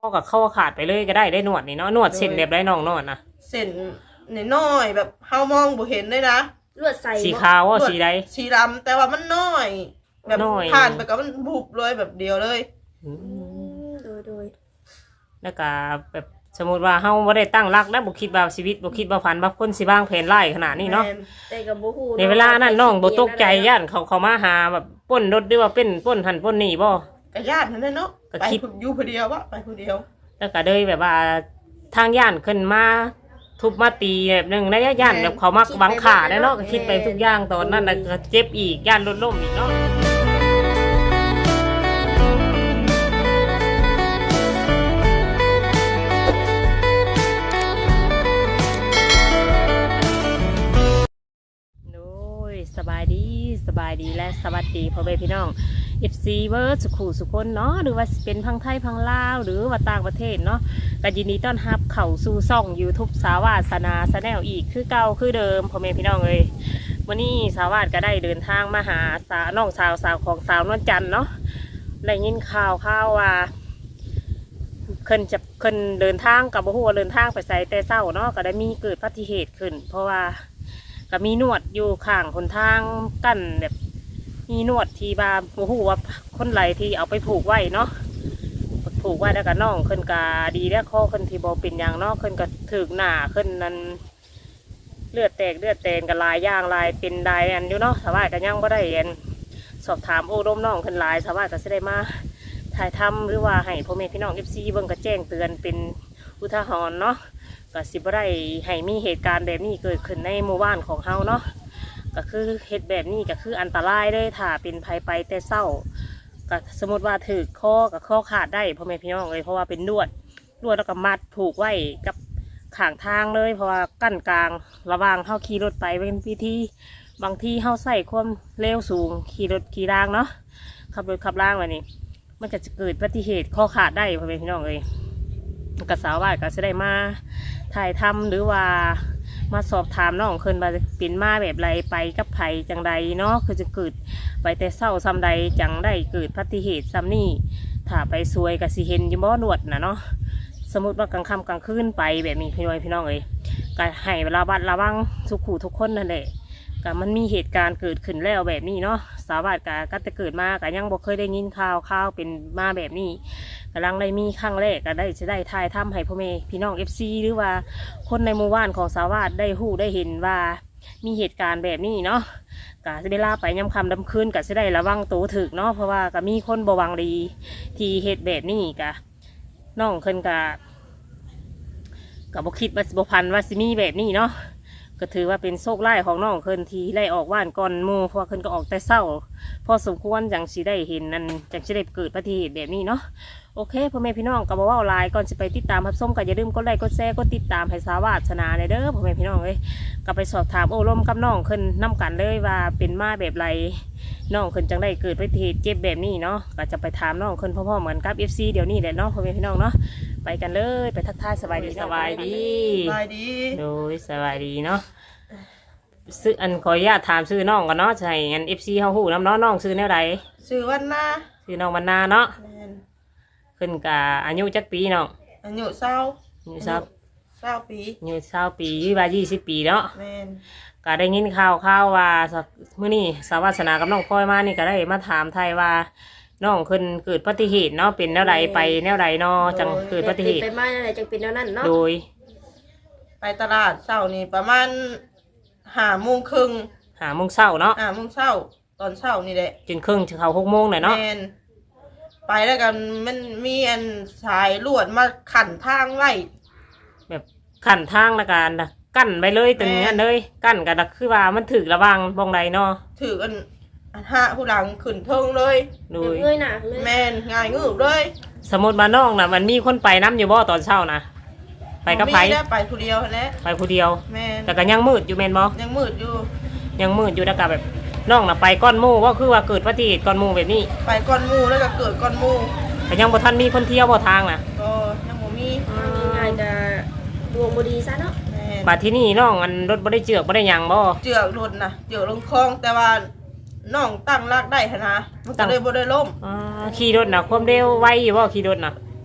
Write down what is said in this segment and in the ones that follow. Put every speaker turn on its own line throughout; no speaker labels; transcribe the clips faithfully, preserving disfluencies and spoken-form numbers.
ก็กับเข้าขาดไปเลยก็ได้ได้หนวดนี่เนาะหนวดเส้นแบบไรน้องนวดนะ
เส้นน้อยแบบเฮามองบ่เห็นเลยนะ
ลวดใส่
สีขาวว่าสีใด
สีดำแต่ว่ามันน้อยแบบผ่านไปก็มันบุบเลยแบบเดียวเลย
โดยโดย
แล้วก็แบบสมมติว่าเฮาบ่ได้ตั้งรักแล้วบ่คิดว่าชีวิตบ่คิดว่าฝันว่าคนสิบ้างแผนไล่ขนาดนี้เนาะ
แต่ก็บ่ฮู้
ในเวลานั้นน้องบ่ตกใจย่านเขาเขามาหาแบบป้นรถหรือว่าเป็นป้นหันป้นนี่บ่
ก็ย่านนั่นแหละเนาะไปอยู่ผู้เดียววะไปผู้เดียว
แล้วก็เลยแบบว่าทางย่านขึ้นมาทุบมาตีแบบนึงนะย่านแบบเขามาบังขาได้เนาะก็คิดไปทุกอย่างตอนนั้นน่ะก็เจ็บอีกย่านรถล้มอีกเนาะสบายดีสบายดีและสวัสดีพ่อแม่พี่น้อง เอฟ ซี เวิร์ดสุขุสุคนเนาะหรือว่าเป็นพังไทยพังลาวหรือว่าต่างประเทศเนาะก็ยินดีต้อนรับเข้าสู่ช่อง ยูทูบ สาวาสนาชาแนลอีกคือเก่าคือเดิมพ่อแม่พี่น้องเลยวันนี้สาวาสก็ได้เดินทางมาหาสาวน้องสาวสาวของสาวนวลจันทร์เนาะได้ยินข่าวข่าวว่าเพิ่นจะเพิ่นเดินทางกับบ่ฮู้ว่าเดินทางไปไสแต่เช้าเนาะก็ได้มีเกิดอุบัติเหตุขึ้นเพราะว่าก็มีนวดอยู่ข้างคนทางกั้นแบบมีนวดที่บาโอ้โหว่าคนไหลที่เอาไปผูกไว้เนาะผูกไว้แล้วก็น้องขึ้นกาดีแล้วข้อขึ้นที่บอเป็นอย่างเนาะขึ้นก็ถึกหน้าขึ้นนั้นเลือดแตกเลือดแตนกับลายย่างลายเป็นลายอันอยู่เนาะสาวายก็ยังไม่ได้เรียนสอบถามโอ้ร่มน้องขึ้นลายสาวายก็จะได้มาถ่ายทำหรือว่าให้พ่อแม่พี่น้องเอฟซีเบิ่งก็แจ้งเตือนเป็นอุทาหรณ์เนาะก็สิบ่ได้ให้มีเหตุการณ์แบบนี้เกิดขึ้นในหมู่บ้านของเฮาเนาะก็คือเหตุแบบนี้ก็คืออันตรายเลยถ้าเป็นภัยไปแต่เศร้าก็สมมติว่าถือข้อกับข้อขาดได้พ่อแม่พี่น้องเลยเพราะว่าเป็นลวดลวดแล้วก็มัดผูกไว้กับข้างทางเลยเพราะว่ากั้นกลางระวางเฮาขี่รถไปเป็นพิธีบางที่เฮาใส่ความเร็วสูงขี่รถขี่รางเนาะขับรถขับรางแบบนี้มันก็จะเกิดอุบัติเหตุข้อขาดได้พ่อแม่พี่น้องเลยกระสาวว่าก็จะได้มาถ่ายทำหรือว่ามาสอบถามน้องเคินว่าเป็นมาแบบไรไปกับไผจังใดเนาะคือจะเกิดไปแต่เศร้าซ้ำใดจังได้เกิดอุบัติเหตุซ้ำนี่ถ้าไปซวยกับสิเห็นยิมบ่หนวดนะเนาะสมมติว่ากลางค่ำกลางคืนไปแบบนี้พี่น้อยพี่น้องเอ้ยก็ให้เวลาบัดระวังทุกขู่ทุกคนนั่นแหละก็มันมีเหตุการณ์เกิดขึ้นแล้วแบบนี้เนาะสาวบ้านก็ก็จะเกิดมาก็ยังบ่เคยได้ยินข่าวข่าวเป็นมาแบบนี้กำลังได้มีครั้งแรกก็ได้จะได้ทายทำให้พ่อแม่พี่น้องเอฟซีหรือว่าคนในหมู่บ้านของสาวบ้านได้หู้ได้เห็นว่ามีเหตุการณ์แบบนี้เนาะก็จะเวลาไปย้ำคำดำคืนก็จะได้ระวังตัวถึกเนาะเพราะว่าก็มีคนบวังดีที่เหตุแบบนี้ก็น้องเคินก็ก็บ่คิดว่าสิบ่พันว่าสิมีแบบนี้เนาะก็ถือว่าเป็นโชคไล่ของน้องเคินทีไล่ออกว่านก่อนหมู่เพราะเคินก็ออกแต่เศร้าพอสมควรจังสิได้เห็นนั่นจังสิได้เกิดอุบัติเหตุแบบนี้เนาะโอเคพ่อแม่พี่น้องก็บอกว่าไลน์ก่อนจะไปติดตามรับชมก็อย่าลืมกดไลค์กดแชร์กดติดตามให้สาวาสนาเด้อพ่อแม่พี่น้องเลยก็ไปสอบถามโอ้ร่มกับน้องเคินน้ากันเลยว่าเป็นมาแบบไรน้องเคินจังได้เกิดอุบัติเหตุเจ็บแบบนี้เนาะก็จะไปถามน้องเคินพ่อๆเหมือนกับเอฟซีเดี๋ยวนี้แหละเนาะพ่อแม่พี่น้องเนาะไปกันเลยไปทักทายสบายดีสบายดี
สบายดี
โดยสบายดีเนาะซื้ออันขออนุญาตถามซื้อน้องกันเนาะใช่อันเอฟซีเขาหูน้ำน้องน้องซื้อแนวใด
ซื้อวันนา
ซื้อน้องวันนาเนาะขึ้นกับอายุจักปีเนาะ
อายุเศร้า
อายุเศร้า
เศร้าปี
อายุเศร้าปียี่สิบยี่สิบปีเนาะ
แม่น
ก็ได้ยินข่าวข่าวว่ามื้อนี้สาวาสนากับน้องพลอยมานี่ก็ได้มาถามไทยว่าน้องขึ้นเกิดอุบัติเหตุเนาะเป็นแนวใดไปแนวใดเนาะจังเกิดอุบัติเหตุ
ไปมาแนวใดจังเป็นแนวนั้นเนาะ
โดย
ไปตลาดเช้านี่ประมาณห้าโมงครึ่ง
ห้าโมงเช้าเนาะ
ห้าโมงเช้าตอนเช้านี่แหละ
จนครึ่งจะเข้าหกโมงหน่อยเนาะ
ไปแล้วกันมันมีอันสายลวดมาขันทางไว้
แบบขันทางละกันกั้นไปเลยตึงนี้เลยกั้นกันคือว่ามันถือระวังบองใดเนาะ
ถือกันห้าผู้หลังขึ้นเทิงเลย
ดู
เงยหนักเลย
แม่นง่ายงืบเลย
สมมติมาน้องน่ะมันมีคนไปน้ำอยู่บ่ตอนเช้านะไปกับไผ
ไปผู้เดียวแหละ
ไปผู้เดียว
แม่น
แต่ก็ยังมืดอยู่แม่นบ่
ยังมืดอยู่
ยังมืดอยู่แล้วก็แบบน้องน่ะไปก้อนหมู่ว่าคือว่าเกิดอุบัติเหตุก้อนหมู่แบบนี้
ไปก้อนหมู่แล้วก็เกิดก้อนหมู่
แต่ยังบ่ทันมีคนเที่ยวบ่ทางน่ะ
ก็ยังบ่มี
ง่ายจะดวงบ่ดีซะเนาะ
บัดที่นี่น้องอันรถบ่ได้เจือกบ่ได้หยังบ่
เจือกรถน่ะเจือกลงคลองแต่ว่าน้องตั้งรากได้หั่นนะมันก็เลยบ่ได้ล้ม
อ่าขี่รถน่ะความเร็วไวอยู่บ่ขี่รถน่ะ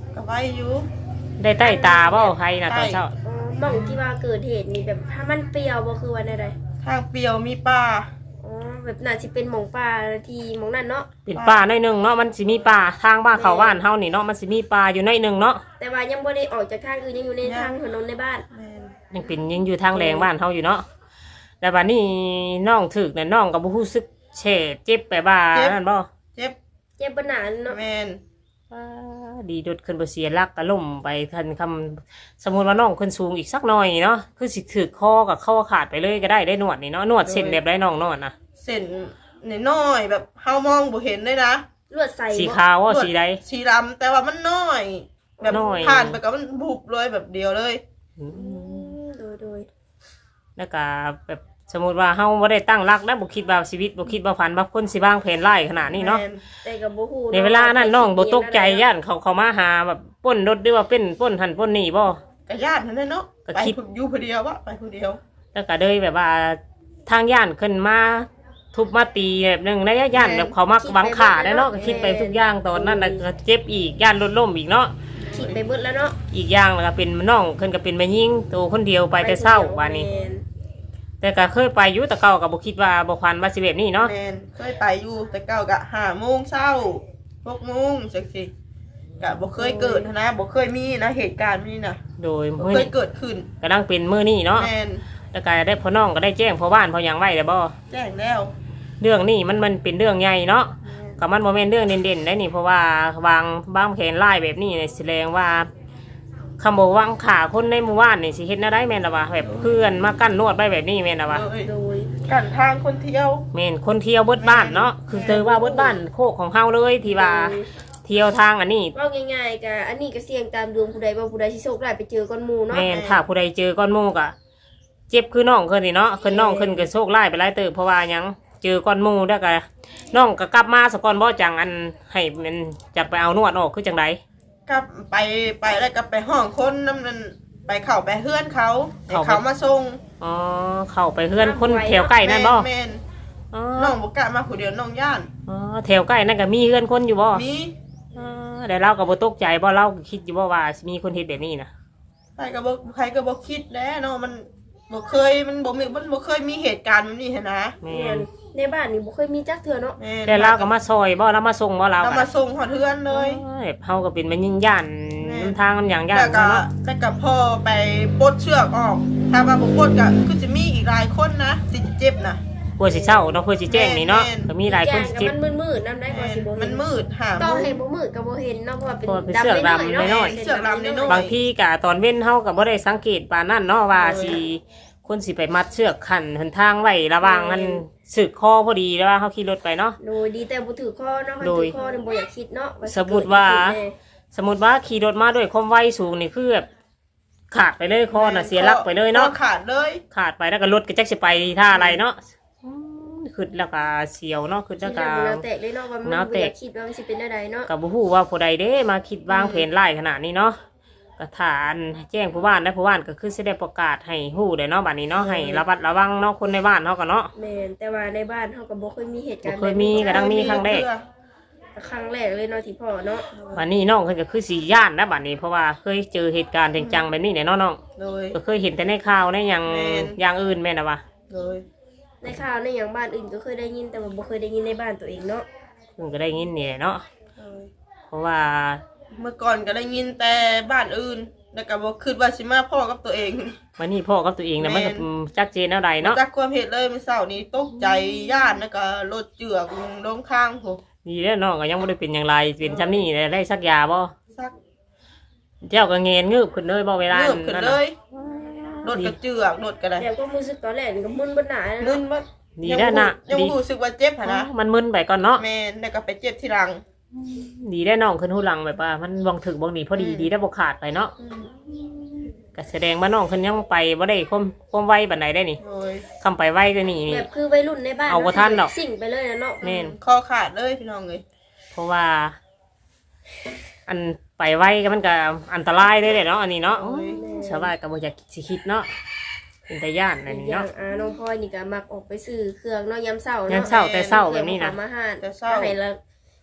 ก็ไว้อยู่
ได้ใต้ตาบ่ใครน่ะตอนเช้า
อ๋อหม่องที่ว่าเกิดเหตุนี่แบบถ้ามันเปรียวบ่คือว่าใด
ทางเปรียวมีป่า
ๆอ๋อแบบน่าสิเป็นหม่องป่าที่หม่องนั้นเนาะ
เป็นป่าหน่อยหนึงเนาะมันสิมีป่าทางบ้านเขาบ้านเฮานี่เนาะมันสิมีป่าอยู่หน่อยหนึงเนาะ
แต่ว่ายังบ่ได้ออกจากทางอื่นยังอยู่ในทางถนนในบ้าน
แม่น
ยังเป็นยังอยู่ทางแรงบ้านเฮาอยู่เนาะแต่บัดนี้น้องถึกน่ะน้องก็บ่รู้สึกแฉะเจ็บไปบ่านั่นบ่
เจ็บ
เจ็บบ่หนาเนาะ
แม่น
ว้าดีดดขึ้นบ่เสียหลักก็ล่มไปทันคำสมมุติว่าน้องขึ้นสูงอีกสักหน่อยเนาะคือสิถึกคอกับเข้าขาดไปเลยก็ได้ได้นวดนี่เนาะนวดเส้นแบบได้น้องนวดนะ
เส้นน้อยๆแบบเฮามองบ่เห็นเลยนะ
ลวดใส่
สี
บ่
ขาวว่าสีใด
สีดำแต่ว่ามันน้อย แบบ
น้อย
ผ่านไปก็มันบุบเลยแบบเดียวเลย
อื
อื
ม
มโดยโดย
แล้วก็แบบสมมุติว่าเฮาบ่ได้ตั้งรักแล้วบ่คิดว่าชีวิตบ่คิดว่าฝันว่าคนสิวางแผนร้ายขนาดนี้เนาะ
แม่
แต่ก็บ่ฮู้
ในเวลานั้นน้องบ่ตกใจย่านเขาเขามาหาแบบปล้นรถหรือว่าเป็นปล้นหันปล้นนี่บ่
กะญาตินั่นแหละเนาะ
ก็
ไป
คิด
อยู่ผู้เดียววะไปผู้เดียว
แล้วก็เลยแบบว่าทางย่านขึ้นมาทุบมาตีแบบนึงนะย่านแบบเขามาหวังขาได้เนาะก็คิดไปทุกอย่างตอนนั้นน่ะก็เจ็บอีกย่านรถล้มอีกเนาะ
คิดไปเบิดแล้วเนาะ
อีกอย่างแล้วก็เป็นน้องขึ้นก็เป็นแม่ยิ่งตัวคนเดียวไปแต่เศร้าวันนี้
แม่น
แต่ก็เคยไปอยู่แต่เก่าก็บ่คิดว่าบ่ควันว่าสิแบบนี้เนาะ
แมนเคยไปอยู่แต่เก้ากะห้าโมงเช้าหกโมงจังสิกะบ่เคยเกิดนะบ่เคยมีนะเหตุการณ์นี้นะ
โดย
บ่
มื้อ
เคย
นี้
เกิดขึ้น
ก็ดังเป็นมื้อนี้เนาะ
แมน
แล้วก็ได้พ่อน้องก็ได้แจ้งพ่อบ้านพ่อหยังไว้แล้วบ่
แจ้งแล้ว
เรื่องนี้มันมันเป็นเรื่องใหญ่เนาะ
แม่น
ก็มันบ่แม่นเรื่องเด่นๆได้นี่เพราะว่าวางบางแผนลายแบบนี้เนี่ยแสดงว่าคำบอกวางขาคนในหมู่บ้านนี่สิเฮ็ดแนวใดแม่นล่ะวะแบบเพื่อนมากั้นนวดไว้แบบนี้แม่นล่ะวะ
เลย
โดย
กันทางคนเที่ยว
แม่นคนเที่ยวเบิดบ้านเนาะคือเจอว่าเบิดบ้านโคกของเฮาเลยที่ว่าเที่ยวทางอันนี้
เว่าง่ายๆก็อันนี้ก็เสี่ยงตามดวงผู้ใดว่าผู้ใดสิโชคร้ายไปเจอก้อนหมู่เนาะ
แม่นถ้าผู้ใดเจอก้อนหมูกอะเจ็บคือน้องเพิ่นนี่เนาะคือน้องเพิ่นก็โชคร้ายไปหลายเติบเพราะว่าหยังเจอก้อนหมูแล้วก็น้องก็กลับมาสะก่อนบ่จังอันให้มันจักไปเอานวดออกคือจังได
กลับไปไปแล้วก็ไปห้องคนน้ำนั้นไปเข้าไปเฮือนเขาให้เขามาส่ง
อ๋อเข้าไปเฮือนคนแถวใกล้นั่นบ่
แม่น
อ๋อ
น้องบ่กล้ามาผู้เดียวน้องย่าน
อ๋อแถวใกล้นั่นก็มีเฮือนคนอยู่บ่
มี
อ๋อแต่เราก็บ่ตกใจบ่เราก็คิดอยู่บ่ว่ามีคนเฮ็ดแบบนี้นะ
ใครก็บ่ใครก็บ่คิดแล้วเนาะมันบ่เคยมันบ่มีมันบ่เคยมีเหตุการณ์แบบนี้หั้นนะ
แม่
แม่
น
นในบ้านนี่บ่เคยมีจักเทื่อเนาะ
แม่น
แต่เราก็มาซอยบ่เรามาส่งบ่เรา
เรา
ก็
มาส่งหอดเฮือนเลย
โอ้ยเฮาก็เป็นมันยิ่งย่าน
แม่
นำทางมันอย่างย่าน
แล้วก็
เนาะ
แล้วก็พ่อไปปลดเชือกออก ถ้าว่าบ่ปลดก็คือจะมีอีกหลายคนนะสิเจ็บนะ
เพื่อสิเช้าเนาะเพื่อสิแจ้งนี่เนาะ
แม่น
ก็มีหลายคนสิ
แจ้
เจ็
ง
บ
ก็มันมืดๆนำได้กว่าสิบ่เห็
มันมืดหา
ต่อ
โมง
ให้บ่มืดก็บ่เห็นเนาะเพราะว่าเป็น
เพราะว่าเป็น
ดำ
เสือก
น้อย
ดำ
ๆเนาะ
น้อย
ๆเสือกดำน้อย
บางทีกะตอนเว้นเฮาก็บ่ได้สังเกตปานนั้นเนาะว่าสิคนสิไปมัดเชือกขันหนทางไว้ระหว่างมันสึกคอพอดีแล้วว่าเฮาขี่รถไปเนาะ
โดยดีแต่บ่ถือข้อเนาะคัน
โดย
ถือข้อนี่บ่อยากคิดเนาะว่าสิ
สมมุติว่า
เกิดอะไรขึ้นแน่
สมมุติว่าขี่รถมาด้วยความไวสูงนี่คือแบบขาดไปเลยคอน่ะเสียหลักไปเลยเนาะ
คอขาดเลย
ขาดไปแล้วก็รถก็จักสิไปท่าอะไรเนาะอืมขึ้นแล้วก็เสียวเนาะขึ้น
คิ
แล้
ด
วก็
แล้วบ่แนวแตกเลยเนาะว่ามัน
แนว
บ่
แต
อก ยากคิดว่ามันสิเป็นจังไดเนาะ
ก็บ่ฮู้ว่าผู้ใดเด้มาคิดวางแผนร้ายขนาดนี้เนาะก็ฐานแจ้งผู้บ้านและผู้บ้านก็คือสิได้ประกาศให้ฮู้ได้เนาะบัดนี้เนาะให้ระมัดระวังเนาะคนในบ้านเฮาก็เนาะ
แม่นแต่ว่าในบ้านเฮาก็บ่เคยมีเหตุการณ์
บ่เคยมีก็ดังมีครั้งแรก
ครั้งแรกเลยเนาะที่พ่อเนาะ
บัดนี้น้องเพิ่นก็คือสิย่านนะบัดนี้เพราะว่าเคยเจอเหตุการณ์จังๆแบบนี้แน่เนาะน้อง
เลย
ก็เคยเห็นแต่ในข่าวในหยัง
แม่น
อย่างอื่นแม่นน่ะวะ
เลย
ในข่าวในหยังบ้านอื่นก็เคยได้ยินแต่ว่าบ่เคยได้ยินในบ้านตัวเองเนาะ
เพิ่นก็ได้ยินนี่แหละเนาะ
เลย
เพราะว่า
เมื่อก่อนก็ได้ยินแต่บ้านอื่นแล้วก็บ่คิดว่าสิมาพ่อกับตัวเอง
วันนี้พ่อกับตัวเองน่ะมันก็
แม่น
ชัดเจนแนวใดเนาะ
จักความเหตุเลยมื้อเช้านี้ตกใจย่านแล้วก็รถเจือกลงข้างโห
ดีแล้วน้องก็ยังบ่ได้เป็นอย่างไรเป็นซ้ำนี่ได้สักยาบ่
ซัก
เจ้าก็เงนงืบขึ้นเลยบ่เวลา
เลือบขึ้น
นั้น
เล
น่ะ
ยรถก็เจือกรถก็ได้
แล้วก็รู้สึกตอนแรกนี่ก็มึนบ่หนา
มึ
เนาะ
นบ่
ดีแล้วนะ
ยัง
ดี
บ่รู้สึกว่าเจ็บหั่นนะ
มันมึนไปก่อนเนาะ
แม่นแล้วก็ไปเจ็บที่หลัง
ดีได้น้องขึ้นหูหลังแบบว่ามันวางถึกบางดีพอดี
อืม
ดีได้บ่ขาดไปเนาะ
อืม
ก็แสดงว่าน้องขึ้นยังไปบ่ได้ความความไวบันไดได้นี่
โดย
คำไปไวก็นี่นี่
แบบคือวัยรุ่นในบ้าน
เอาบ่ทันดอก
สิ่งไปเลยนะเนาะ
แม่น
คอขาดเลยพี่น้องเอ้ย
เพราะว่า อันไปไวก็มันก็อันตรายได้เลยเนาะอันนี้เนาะ
โอ้ย
ชาวบ้านก็บ่อยากสิคิดเนาะเป็นตาย่านอันนี้
อย่าง
เนาะ
อาน้องพลอยนี่ก็มักออกไปซื้อเครื่องเนาะยามเช้าเนาะ
ยามเช้าแต่เช้าแบบนี้นะ
ให้ลูกให้หลามาหา
แต่เช้า
ให้ละ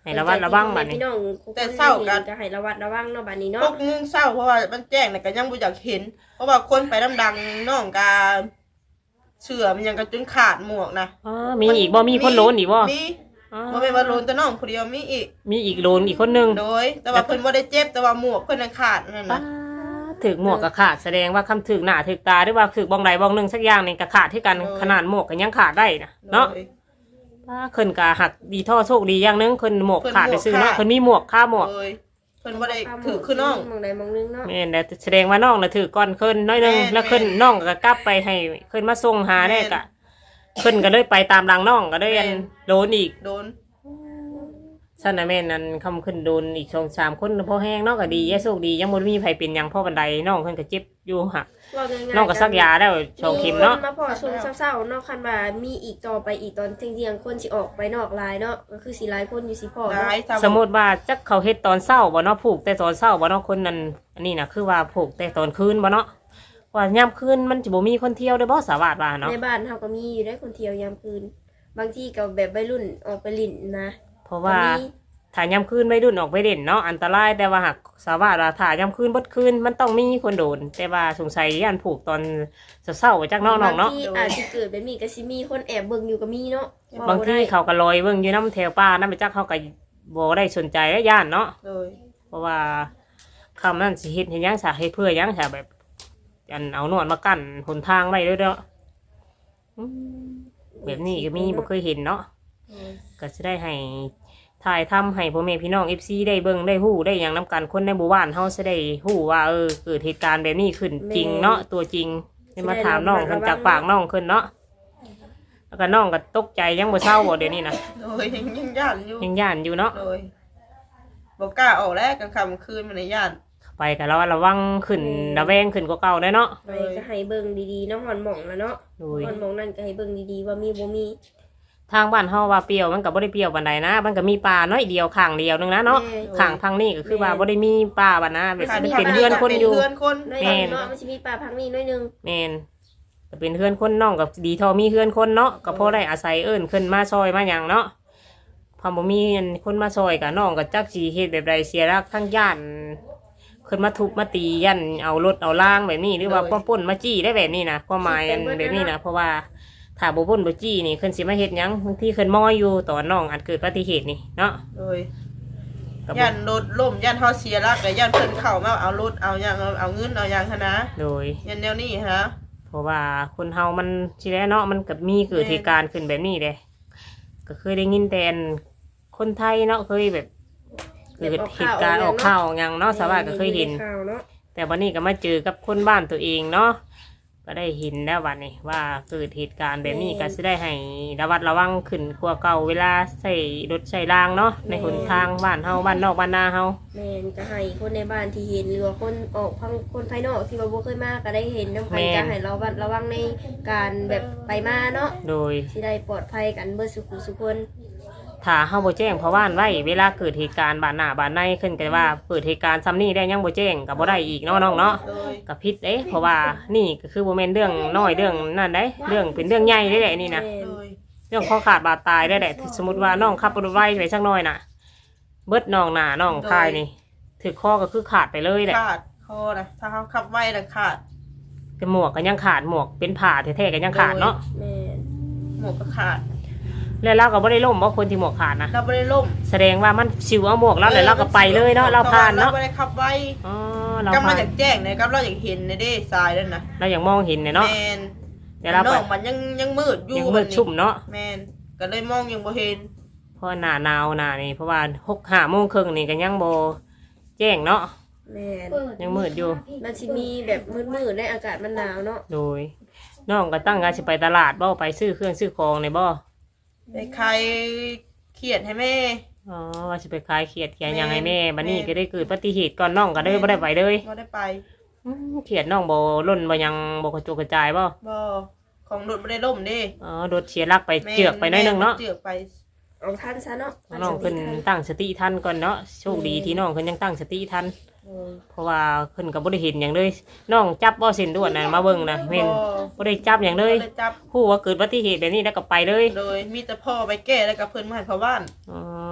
ให้ระวัดระวังบัดนี้
พี่น้อง
แต่เศร้ากัน
ก็ให้ระวัดระวังเนาะบัดนี้
พ
เนาะ
วกมึงเศร้าเพราะว่ามันแจ้งน่ะก็ยังบ่อยากเห็น เพราะว่าคนไปดังๆน้องกาเชื่อมันยังก็จนขาดหมวกนะ
อ๋อมีอีกบ่มีคนโลนอีกบ่
มี
อ๋อ
บ่แม่นว่าโลนแต่น้องผู้เดียวมีอีก
มีอีกโลนอีกคนนึง
โดย แต่ว่าเพิ่นบ่ได้เจ็บแต่ว่าหมวกเพิ่นน่ะขาดนั่น
ป้า
น่ะ
ถึกหมวกก็ขาดแสดงว่าคำถึกหน้าถึกตาหรือว่าถึกบ้องใดบ้องหนึงสักอย่างนี่ก็ขาดที่กันขนาดหมวกก็ยังขาดได้นะเนาะ
โดย
ป้าเพิ่นก็หักดีท่อโชคดีอย่างหนึงเพิ่นหมวกขาดไปซื้อเนาะ
เพิ่
เพิ่น
น
มีหมวกค่าหมวก
โดยเพิ่นบ่ได้ถือคือน้อง
มองใดมองหนึงเนาะ
แม่นแต่แสดงว่าน้องน่ะถือก่อนเพิ่นน้อยหนึง
แม่น
แล้วเพิ่นน้องก็กลับไปให้เพิ่นมาส่งหาได้ก็เพิ่นก็เลยไปตามหลังน้องก็ได้อัน
แม่น
โดนอีก
โดน
ซั่นน่ะแม่นนั่นคำขึ้นโดนอีก สองสาม คนพอแห้งเนาะก็ดีแย่โชคดียังบ่มีไผเป็นหยังพ่อบันไดน้องเพิ่นก็เจ็บอยู่หัก
ว่าง่ายๆ
น้องก็ซักยาแล้วสองเข็มเนาะ
คมาพอช่วงเศร้าๆเนาะคันว่ามีอีกต่อไปอีกตอนเที่ยงๆคนสิออกไปนอกลายเนาะก็คือสิหลายคนอยู่สิพอ
ห
เนาะ
ลายถ้า
สมมุติว่าจักเขาเฮ็ดตอนเช้าบ่เนาะผูกแต่ตอนเช้าบ่เนาะคนนั้นอันนี้น่ะคือว่าผูกแต่ตอนคืนบ่เนาะว่ายามคืนมันสิบ่มีคนเที่ยวได้บ่สาวาดว่าเนาะ
ในบ้านเฮาก็มีอยู่ได้คนเที่ยวยามคืน บางทีก็แบบวัยรุ่นออกไปเลิ่นนะ
เพราะว่า
ก็มี
ถ้ายามคืนไม่ดุนออกไปเด่นเนาะอันตรายแต่ว่าหากสาวาว่าถ้ายามคืนบดคืนมันต้องมีคนโดน แต่ว่าสงสัยย่านผูกตอนเศร้าๆจากน้องๆเนาะ
บางทีอาจสิเกิดแบบนี้ก็สิมีคนแอบเบิ่งอยู่ก็มีเนาะ
บางที
ว้ได้
เขาก็ลอยเบิ่งอยู่น้ำแถวป่าน้ำไปจักเขาก็บ่ได้สนใจและย่านเนาะ
โดย
เพราะว่าคำนั้นสิเฮ็ดให้หยังสาเฮ็ดเพื่อหยังสาแบบอันเอาหนวดมากั้นหนทางไว้เด้อเด้ออืมแบบนี้ก็มีบ่เคยเห็นเนาะ
โดย
ก็จะได้ให้ถ่ายทำให้พ่อแม่พี่น้อง เอฟ ซี ได้เบิ่งได้ฮู้ได้อย่างนํกันคนในหมู่บ้านเฮาจะได้ฮู้ว่าเออเกิดเหตุการณ์แบบนี้ขึ้นจริงเนาะตัวจริงได้มาถามน้องเพิ่นจากปากน้องขึ้นเนาะแล้วก็น้องก็ตกใจยังบ่เศร้าบ่เดี๋ยวนี้นะ
โดยยังยังย่านอยู่
ยังย่านอยู่เนาะ
โดยบ่กล้าออกแล้วกลางค่ำคืนมันในย่าน
ไปก็ระวัดระวังขึ้นระแวงขึ้นกว่าเก่าได้เนาะ
ไปก็ให้เบิ่งดีๆเนาะหอนหม่องแล้วเนาะ
โดย
หอนหม่องนั่นก็ให้เบิ่งดีๆว่ามีบ่มี
ทางบ้านเฮาว่าเปรี้ยวมันก็บ่ได้เปรี้ยวปานใดนะมันก็มีป่าน้อยเดียวข้างเดียวนึงนะเนาะ
แม่
ข้างทางนี้ก็คือว่าบ่ได้มีป่าบัดนะแบบ
ขาด
เป็นเฮือนคนอยู่
เป็นเฮือนคน
น้อย
แม่
หนึ
น
งเนาะมันสิมีป่าพังนี่น้อยหนึง
แม่นก็เป็นเฮือนคนน้องกับดีทอมีเฮือนคนเนาะก็พอได้อาศัยเอิ้นขึ้นมาซอยมาหยังเนาะพอบ่มีคนมาซอยกับน้องก็จักสิเฮ็ดแบบใดเสียรักทั้งย่านขึ้นมาทุบมาตียันเอารถเอาล่างแบบนี้หรือว่าป้ป้นมาจี้ได้แบบนี้นะความหมายอันแบบนี้นะเพราะว่าถ้าบ่ป้นบ่จี้นี่ขึ้นสิมาเฮ็ดหยังบางทีขึ้นมอยอยู่ตอนน้องอาจเกิดอุบัติเหตุนี่เนาะ
โดย
ก็บ่
ย่านรถล่มย่านเฮาเสียหลักแต่ย่านเพิ่นเข้ามาเอารถเอาหยังเอาเอาเงินเอาหยังหันนะ
โดย
ย่านแนวนี้ฮะ
เพราะว่าคนเฮามันสิแล้วเนาะมันก็มีเกิดเหตุการณ์ขึ้นแบบนี้เด้ก็เคยได้ยินแต่อันคนไทยเนาะเคยแบบเกิดเหตุการณ์ออกข่าวอย่างเนาะสาวาก็เคยเห็น
ข่าวเนาะ
แต่วันนี้ก็มาเจอกับคนบ้านตัวเองเนาะก็ได้เห็นแล้ววันนี้ว่าเกิดเหตุการณ์แบบนี้ก็จะได้ให้ระวัดระวังขึ้นกว่าเก่าเวลาใส่รถใส่รางเนาะในหนทางบ้านเฮาบ้านนอกบ้านนาเฮา
แม่นก็ให้คนในบ้านที่เห็นหรือว่าคนออกพังคนภายนอกที่ว่าบ่เคยมาก็ได้เห็นนำกันก็ให้เราบัดระวังในการแบบไปมาเนาะ
โดย
สิได้ปลอดภัยกันเบิดสุขสุขคน
ถ้าเฮาบ่แจ้งเพราะว่านไว้เวลาเกิดเหตุการณ์บ้านหน้าบ้านในขึ้นก็ว่าเกิดเหตุการณ์ซ้ำนี้ได้ยังบ่แจ้งก็บ่ได้อีกเนาะน้องเนาะ
โดย
ก็ผิดเด้เพราะว่านี่ก็คือบ่แม่นเรื่องน้อยเรื่องนั่นเด้เรื่องเป็นเรื่องใหญ่ได้แหละนี่นะ
แม่น
โดย
เรื่องข้อขาดบาดตายได้แหละสมมติว่าน้องขับรถไวไปสักหน่อยน่ะ เบิดน้องหน้าน้องคายนี่ถือข้อก็คือขาดไปเลยแหละ
ขาดคอนะถ้าเขาขับไว้น่ะขาด
แต่หมวกก็ยังขาดหมวกเป็นผ่าแท้ๆก็ยังขาดเนาะ
แม่น
หมวกก็ขาด
แล้วเราก็บ่ได้ล่มเพราะคนที่หมวกขาดนะ
เราไม่ได้ล่ม
แสดงว่ามันชิวเอาหมวกแล้วแล้วเราก็ไปเลยเนาะเราผ่านเนาะ
เราไม่ได้ขับไว้
อ๋อเรา
กำลั
ผ่าง น
อยากแจ้งเนี่ยกำลังอยากเห็นในเด้ทรายนั่นนะ
เราอย่างมองเห็นเนี่ยเนาะ
แมน
แต่เรา
น้
ไป
องมันยังยังมืดอยู่
ยังมืดชุ่มเนาะ
แมนก็เลยมองยังบ่เห็น
เพราะหน้าหนาวหน้านี่เพราะว่าหกห้าโมงครึ่งนี่ก็ยังบ่แจ้งเนาะ
แม่น
ยังมืดอยู่
มันสิมีแบบมืดๆในอากาศมันหนาวเนาะ
โดยน้องก็ตั้งใจสิไปตลาดบ่ไปซื้อเครื่องซื้อของในบ่
ไปใครเขียดให้แม่
อ๋อว่าจะไปขายเขียดเขียดหยังไงแม่
แม่
บัดนี้ก็ได้เกิดอุบัติเหตุก่อนน้องก็ได้บ่ได้ไปเลย
บ่ได้ไป
อืมเขียดน้องบ่ล่นบ่หยังบ่กระจุกกระจายบ่
บ่ของรถบ่ได้ล่มเด้
อ๋อโดดเสียหลักไป
แม่
เจือกไปหน้อยหนึงเนาะ
เจือกไป
เอาทันซะเนาะ
น้องเพิ่นตั้งสติทันก่อนเนาะโชคดีที่น้องเพิ่นยังตั้งสติทัน
เออ
เพราะว่าเพิ่นก็บ่ได้เห็นหยังเลยน้องจับบ่เส้นด่วนน่ะมาเบิ่งนะแม่นบ่ได้จับหยังเลย
บ่ได้จับ
ฮู้ว่าเกิดอุบัติเหตุแบบนี้แล้วก็ไปเลย
เลยมีแต่พ่อไปแก้แล้วก็เพิ่นมาให้พ่อบ้าน
อ๋อ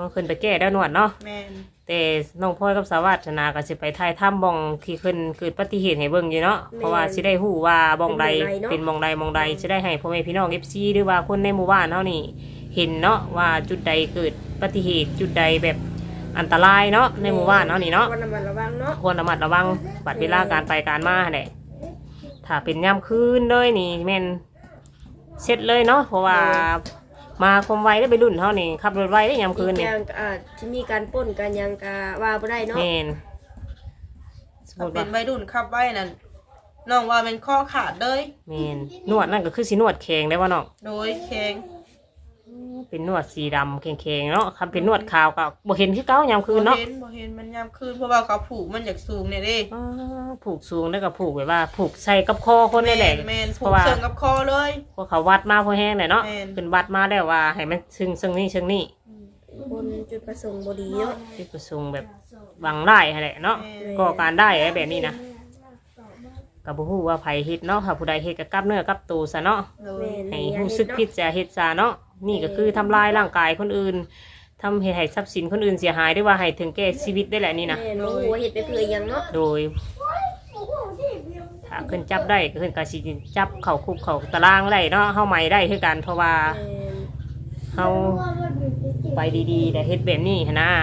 ขึ้นไปแก้แล้วนวดเนาะ
แม่น
แต่น้องพลอยกับสาวัสนาก็สิไปถ่ายถ้ำบ่องที่ขึ้นเกิดอุบัติเหตุให้เบิ่งอยู่เนาะเพราะว่าสิได้ฮู้ว่าบ่องใดเป็นบ่องใดบ่องใดสิได้ให้พ่อแม่พี่น้อง เอฟ ซี หรือว่าคนในหมู่บ้านเฮานี่เห็นเนาะว่าจุดใดเกิดอุบัติเหตุจุดใดแบบอันตรายเนาะในหมู่บ้านเฮานี่เนาะ
ควรระมัดระวังเนาะ
ควรระมัดระวังบัดเวลาการไปการมาแหละถ้าเป็นยามคืนเลยนี่แม่นเสร็จเลยเนาะเพราะว่ามาความไวได้ไปรุ่นเฮานี่ขับรถไวได้ยามคืน
อี
นี่
กอย่างก็อาจจะมีการปล้นกันยังกะว่าบ่ได้เนาะ
แม่นสม
ถ้า
มุติ
เป็
ว่าน
วัยรุ่นขับไว้นั่นน้องว่ามันข้อขาดเลย
แม่นนวดนั่นก็คือสินวดแข็งได้บ่เนาะ
โดยแข็ง
เป็นนวดสีดำแข็งๆเนาะคำเป็นนวดขาวก็บ่เห็นคือเก่ายามคืนเนาะ
บ่เห็นบ่เห็นมันยามคืนเพราะว่าเขาผูกมันอยากสูงเนี่ยเด้
อ๋อผูกสูงแล้วก็ผูกแบบว่าผูกใส่กับคอคนนี่แหละ
แม่นๆ
เพ
ผู
ราะ
ก
ว่า
เชิงกับคอเลย
พวกเขาวัดมาพอแห้งเลยเนาะ
แม่น
ขึ้นวัดมาแล้วว่าให้มันซึ่งซึ่งนี่ซึ่งนี่
คนจุดประสงค์บ่ดีเนาะ
ที่ประสงค์แบบหวังได้แหละเนาะ
แม่น
ก็การได้อะไรแบบนี้นะกับผู้ฮู้ว่าไผเฮ็ดเนาะค่ะผู้ใดเฮ็ดก็กลับเนื้อกลับตัวซะเนาะ
โดย
แม่น
ให้รู้สึกผิดจะเฮ็ดซะเนาะนี่ก็คือทำลายร่างกายคนอื่นทำให้ให้ทรัพย์สินคนอื่นเสียหายหรือว่าให้ถึงแก่ชีวิตได้แหละนี่นะ
แม่นบ่ฮู้ว่าเฮ็ดไปเพื่ออิหยังเนาะ
โดยถ้าขึ้นจับได้ก็ขึ้นกาสิจับเข่าคุกเข่าตารางได้เนาะเฮาใหม่ได้คือกันเพราะว่า
แม่น
เฮาไปดีๆแต่เฮ็ดแบบนี้หั้นนะ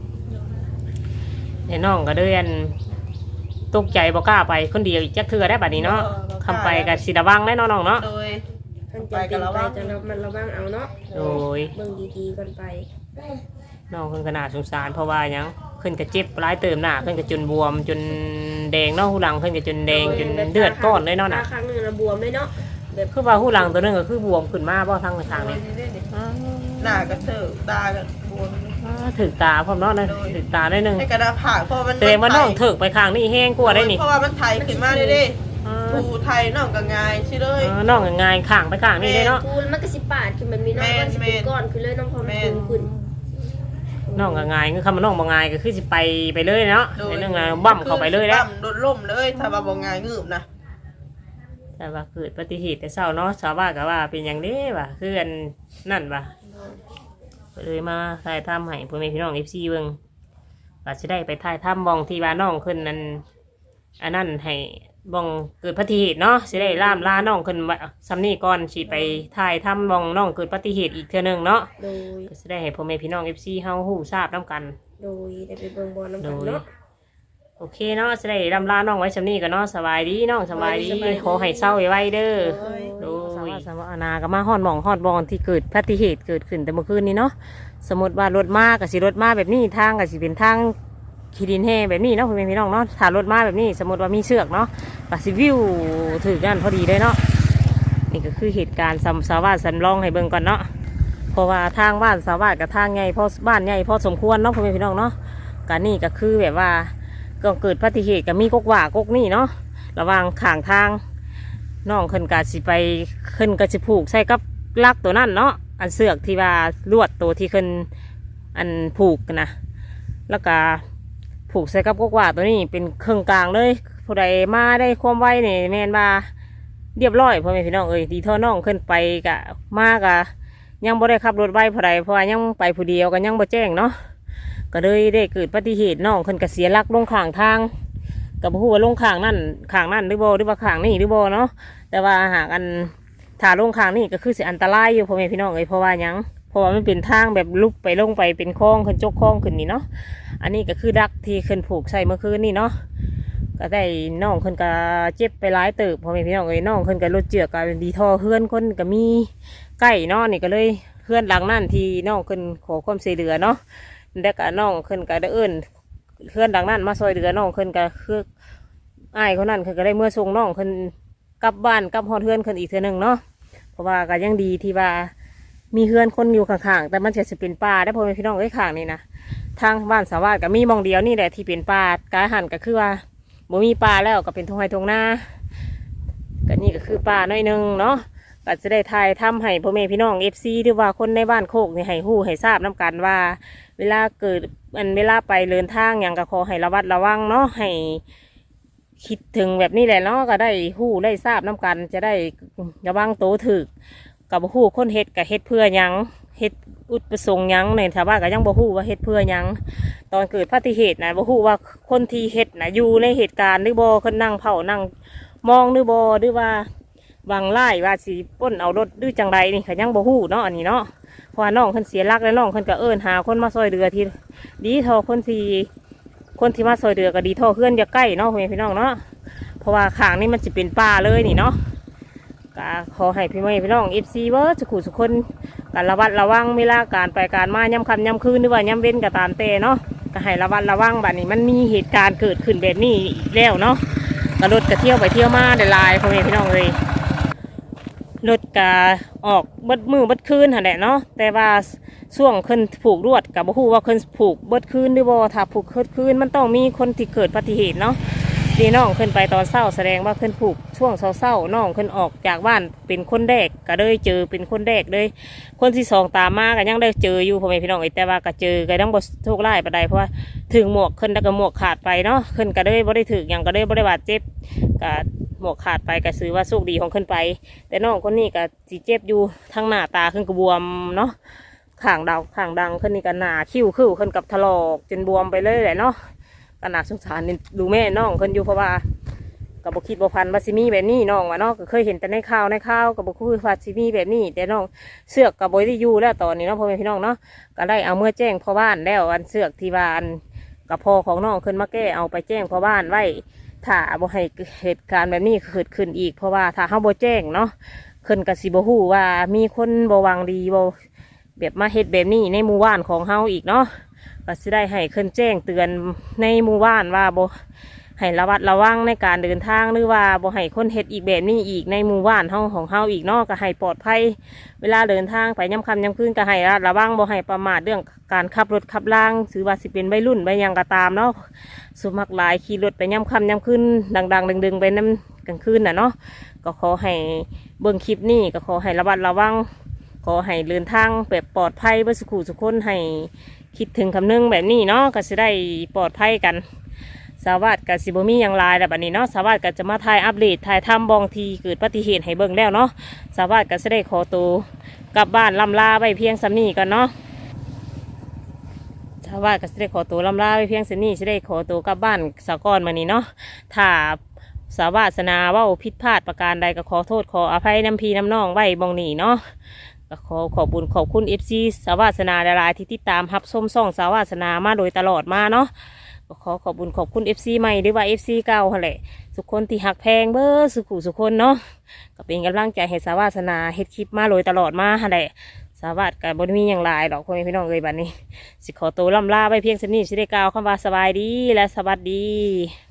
แต่น้องก็เดินตกใจบ่กล้าไปคนเดียวอีกจักเทื่อได้บัดนี้เนาะคำไปก็สิระวังได้เนาะน้องเนาะ
โดย
ท่านจำเป็นไปจะระมัดระวังเอาเนาะ
โดย
เบิ่งดีๆก่อนไป
น้องเพิ่นก็น่าสงสารเพราะว่าหยังเพิ่นก็เจ็บหลายเติมหน้าเพิ่นก็จนบวมจนแดงเนาะหูหลังเพิ่นก็จนแดงจนเลือดก้อนเลยเนาะน่ะ
ตาข้างหนึงน่ะบวมเลยเนาะแบบ
คือว่าหูหลังตัวนึงก็คือบวมขึ้นมาบ่ทางทางนี้
หน้ากระเถิบตากระบวม
อ่าถึกตาพร้อมเนาะนะถึกตาได้หนึง
ให้กระดาษผ่าเพราะมัน
แสดงว่าน้องถึกไปข้างนี้แห้งกว่าได้นี่
เพราะว่ามันไทยขึ้นมาเลยเด้
อ่า
ถูไทยน้องก็ง่ายใช่เลย
อ่าน้องก็ง่ายข้างไปข้างนี้ได้เนาะ
คูณมันก็สิปาดขึ้นแบบนี้เนาะ
แม่น
มันสิเป็นก้อนขึ้นเลยน้องพอมันคูณขึ้น
น้องก็ง่ายคือคำว่าน้องบ่ง่ายก็คือสิไปไปเลยเนาะในเรื่องงานบั้มเข้าไปเลยแล้ว
บั้มโดนล่มเลยถ้าว่าบ่ง่ายงืบนะ
แต่ว่าเกิดอุบัติเหตุแต่เช้าเนาะชาวบ้านก็ว่าเป็นอย่างนี้ว่ะคืออันนั่นว่ะก็เลยมาถ่ายทำให้พ่อแม่พี่น้อง เอฟ ซี เบิ่งก็สิได้ไปถ่ายทำบ้องที่ว่าน้องขึ้นนั้นอันนั้นให้บ้องเกิดอุบัติเหตุเนาะสิได้ล่ามลาน้องขึ้นว่าซ้ำนี้ก่อนสิไปถ่ายทำบ้องน้องเกิดอุบัติเหตุอีกเทื่อหนึงเนาะ
โดย
ก็สิได้ให้พ่อแม่พี่น้อง เอฟ ซี เฮาฮู้ทราบนํกัน
โดยได้ไปเบิ่งบอลน้ำ
โด
กัน
ย
เนาะ
โอเคเนาะจะได้รำลาน้องไว้ชำนี้กันเนาะสบายดีน้องสบายดี
สบายดี
ขอให้เศร้าไว้เด้อ
โด
โด
ย
ยสาวานาก็มาฮอดหมองฮอดบองที่เกิดอุบัติเหตุเกิดขึ้นแต่เมื่อคืนนี้เนาะสมมติว่ารถมากับสิรถมาแบบนี้ทางกับสิเป็นทางขีดินแห่แบบนี้เนาะพ่อแม่พี่น้องเนาะถ้ารถมาแบบนี้ สมมติว่ามีเชือกเนาะกับสิวิวถือกันพอดีเลยเนาะนี่ก็คือเหตุการณ์สำสาวาสันลองให้เบิ่งก่อนเนาะเพราะว่าทางบ้านสาวากับทางใหญ่พอบ้านใหญ่พอสมควรเนาะพ่อแม่พี่น้องเนาะการนี่ก็คือแบบว่า ก็เกิดอุบัติเหตุกับมีกกว่ากกนี่เนาะระหว่างข้างทางน้องขึ้นกาสิไปขึ้นกาสิผูกใส่กับลักตัวนั่นเนาะอันเสือกที่ว่าลวดตัวที่ขึ้นอันผูกนะแล้วก็ผูกใส่กับกกว่าตัวนี้เป็นเครื่องกลางเลยผู้ใดมาได้ความไวเนี่ยแมนมาเรียบร้อยพ่อแม่พี่น้องเอ้ยดีเท่าน้องขึ้นไปกะมากะยังบ่ได้ขับรถไวผู้ใดเพราะว่ายังไปผู้เดียวกันยังบ่แจ้งเนาะก็เลยได้เกิดอุบัติเหตุน้องขึ้นกระเสียหลักลงข้างทางกับผู้ว่าลงข้างนั่นข้างนั่นหรือบ่หรือว่าข้างนี่หรือบ่เนาะแต่ว่าหากอันถ้าลงข้างนี่ก็คือสิอันตรายอยู่พ่อแม่พี่น้องเอ้ยเพราะว่าหยังเพราะว่ามันเป็นทางแบบลุกไปลงไปเป็นคลองขึ้นจกคลองขึ้นนี่เนาะอันนี้ก็คือดักที่ขึ้นผูกใส่เมื่อคืนนี่เนาะก็ได้น้องขึ้นก็เจ็บไปหลายเติบพ่อแม่พี่น้องเอ้ยน้องขึ้นก็รถเจือกก็ดีท่อเฮือนคนก็มีใกล้เนาะนี่ก็เลยเฮือนหลังนั่นที่น้องขึ้นขอความช่วยเหลือเนาะแล้วก็น้องขึ้นก็ได้เอิ้นเพื่อนดังนั้นมาซอยเดือน้องขึ้นก็คืออ้ายคนนั้นขึ้นก็ได้เมื่อส่งน้องขึ้นกลับบ้านกลับฮอดเพื่อนขึ้นอีกเทื่อหนึงเนาะเพราะว่าก็ยังดีที่ว่ามีเพื่อนคนอยู่ข้างๆแต่มันจะจะเป็นป่าได้พอเป็นพี่น้องไอ้ข้างนี่นะทางบ้านสาวาก็มีหมองเดียวนี่แหละที่เป็นป่ากาหันก็คือว่าบ่มีป่าแล้วก็เป็นทงไร่ทงนาก็นี่ก็คือป่าน้อยหนึงเนาะก็จะได้ทายทำให้พ่อแม่พี่น้องเอฟซีหรือว่าคนในบ้านโคกนี่ให้ฮู้ให้ทราบน้กันว่าเวลาเกิดอันเวลาไปเดินทางอย่างก็ขอให้ระวัดระวังเนาะให้คิดถึงแบบนี้แหละเนาะก็ได้ฮู้ได้ทราบน้กันจะได้ระวังโตวถึกกับฮู้คนเฮ็ดกับเฮ็ดเพื่อหยังเฮ็ดอุดประสงค์หยังในชาวบ้านก็ยังบ่ฮู้ว่าเฮ็ดเพื่อหยังตอนเกิดอุบัติเหตุนะบ่ฮู้ว่าคนที่เฮ็ดนะอยู่ในเหตุการณ์หรือบ่เพิ่นนั่งเผานั่งมองหรือบ่หรือว่าวังไล่ว่าสิป้นเอารถหรือจังใดนี่ก็ยังบ่ฮู้เนาะอันนี้เนาะเพราะว่าน้องเพิ่นเสียหลักแล้วน้องเพิ่นก็เอิ้นหาคนมาช่วยเหลือที่ดีเท่าคนที่คนที่มาช่วยเหลือก็ดีเท่าเพื่อนอย่าใกล้เนาะพ่อแม่พี่น้องเนาะเพราะว่าข้างนี้มันสิเป็นป่าเลยนี่เนาะก็ขอให้พี่แม่พี่น้อง เอฟ ซี เบิร์ดสุขุสุคนการระวัดระวังเวลาการไปการมาย่ำค่ำย่ำคืนหรือว่าย่ำเว้นก็ตามแต่เนาะก็ให้ระวัดระวังบัดนี้มันมีเหตุการณ์เกิดขึ้นแบบนี้อีกแล้วเนาะก็รถก็เที่ยวไปเที่ยวมาได้หลายพ่อแม่พี่น้องเลยรถก็ออกเบิดมือเบิดคืนหั่นแหละเนาะแต่ว่าช่วงขึ้นผูกรวดกับบ่ฮู้ว่าขึ้นผูกเบิดคืนหรือบ่ถ้าผูกเบิดคืนมันต้องมีคนที่เกิดอุบัติเหตุเนาะดีน้องขึ้นไปตอนเช้าแสดงว่าขึ้นผูกช่วงเช้าๆน้องขึ้นออกจากบ้านเป็นคนแรกก็เลยเจอเป็นคนแรกเลยคนที่สองตามมาก็ยังได้เจออยู่พ่อแม่พี่น้องแต่ว่าก็เจอก็ต้องบ่โชคร้ายปานใดเพราะว่าถึงหมวกขึ้นแล้วก็หมวกขาดไปเนาะขึ้นก็เลยบ่ได้ถึกหยังก็เลยบ่ได้บาดเจ็บก็หมวกขาดไปก็ถือว่าโชคดีของขึ้นไปแต่น้องคนนี้ก็สิเจ็บอยู่ทั้งหน้าตาขึ้นก็บวมเนาะข้างดาวข้างดังขึ้นนี่ก็หน้าคิ้วคิ้วขึ้นกับถลอกจนบวมไปเลยแหละเนาะก็น่าสงสารนี่ดูแม่น้องขึ้นอยู่เพราะว่ากับบคิดบพันว่าซิมีแบบนี้น้องว่าเนาะก็เคยเห็นแต่ในข่าวในข่าวกับบคุยว่าซิมีแบบนี้แต่น้องเสือกกับบอยที่อยู่แล้วตอนนี้เนาะพ่อแม่พี่น้องเนาะก็ได้เอาเมื่อแจ้งพ่อบ้านแล้วอันเสือกที่ว่าอันกับพ่อของน้องขึ้นมาแก้เอาไปแจ้งพ่อบ้านไว้ถ้าบ่ให้เหตุการณ์แบบนี้เกิดขึ้นอีกเพราะว่าถ้าเขาบ่แจ้งเนาะขึ้นกับสิบ่ฮู้ว่ามีคนบ่หวังดีบ่แบบมาเฮ็ดแบบนี้ในหมู่บ้านของเฮาอีกเนาะก็สิได้ให้ขึ้นแจ้งเตือนในหมู่บ้านว่าบ่ให้ระวัดระวังในการเดินทางหรือว่าบ่ให้คนเฮ็ดอีกแบบนี้อีกในหมู่บ้านเฮาของเฮาอีกเนาะก็ให้ปลอดภัยเวลาเดินทางไปย่ำค่ำย่ำคืนก็ให้ระวังบ่ให้ประมาทเรื่องการขับรถขับล่างถือว่าสิเป็นวัยรุ่นไปยังก็ตามเนาะสุมักหลายขี่รถไปย่ำค่ำย่ำคืนดังๆดึงๆไปน้ำกลางคืนน่ะเนาะก็ขอให้เบิ่งคลิปนี้ก็ขอให้ระวัดระวังขอให้เดินทางแบบปลอดภัยเพื่อสุขุสุขคนให้คิดถึงคำนึงแบบนี้เนาะก็จะได้ปลอดภัยกันสาวัสดิ์กับสิบมีอย่างไรแต่บัดนี้เนาะสาวัสดิ์ก็จะมาถ่ายอัปเดตถ่ายทำบองทีเกิดอุบัติเหตุให้เบิ่งแล้วเนาะสาวัสดิ์ก็จะได้ขอตัวกลับบ้านลำลาไปเพียงสำนีกันเนาะสาวัสดิ์ก็จะได้ขอตัวลำลาไปเพียงสำนีจะได้ขอตัวกลับบ้านสะก้อนมานี้เนาะถ้าสาวาสนาว่าผิดพลาดประการใดก็ขอโทษขออภัยน้ำพีน้ำน้องไว้บองนี้เนาะก็ขอขอบคุญขอบคุณเอฟซีสาวาสนาหลายๆที่ติดตามรับชมส่องสาวาสนามาโดยตลอดมาเนาะก็ขอขอบคุญขอบคุณเอฟซีใหม่หรือว่าเอฟซีเก่าแหละทุกคนที่หักแพงเบอร์สุขุสุคนเนาะก็เป็นกำลังใจให้สาวาสนาเฮ็ดคลิปมาโดยตลอดมาแหละสาวาสกับบนมีอย่างไรหรอกพ่อแม่พี่น้องเลยบัดนี้สิขอตัวล่ำลาไปเพียงเท่านี้สิได้กล่าวคำว่าสบายดีและสวัสดี